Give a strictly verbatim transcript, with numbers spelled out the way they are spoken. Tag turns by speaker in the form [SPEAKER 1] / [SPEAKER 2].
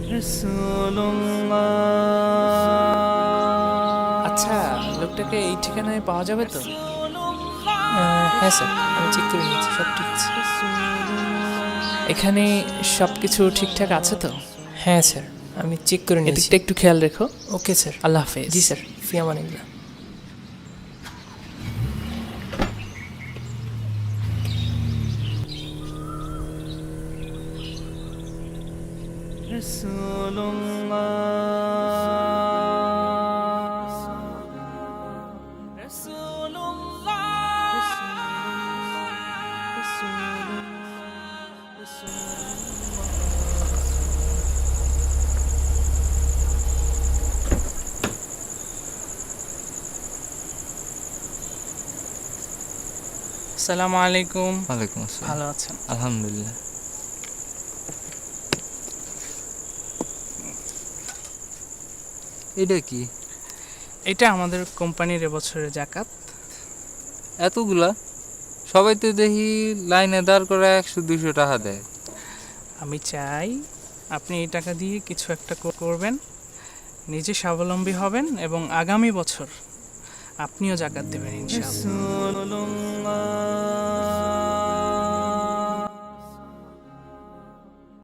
[SPEAKER 1] আচ্ছা, লোকটাকে এই ঠিকানায় পাওয়া যাবে তো?
[SPEAKER 2] হ্যাঁ স্যার, আমি চেক করে নিয়েছি, সব ঠিক আছে।
[SPEAKER 1] এখানে সব কিছু ঠিকঠাক আছে তো?
[SPEAKER 2] হ্যাঁ স্যার, আমি চেক করে নিয়েছি।
[SPEAKER 1] এদিকটা একটু খেয়াল রেখো।
[SPEAKER 2] ওকে স্যার।
[SPEAKER 1] আল্লাহ হাফেজ।
[SPEAKER 2] জি স্যার, ফি আমানিল্লাহ।
[SPEAKER 1] আসসালামু আলাইকুম।
[SPEAKER 3] ওয়ালাইকুম আসসালাম।
[SPEAKER 1] ভালো আছেন?
[SPEAKER 3] আলহামদুলিল্লাহ। এটা কি?
[SPEAKER 1] এটা আমাদের কোম্পানির এবছরের জাকাত।
[SPEAKER 3] এতগুলা? সবাই তো দেখি লাইনে দাঁড় করে একশো দুইশো টাকা দেয়।
[SPEAKER 1] আমি চাই আপনি এই টাকা দিয়ে কিছু একটা করবেন, নিজে স্বাবলম্বী হবেন এবং আগামী বছর আপনিও জাকাত দেবেন ইনশাআল্লাহ।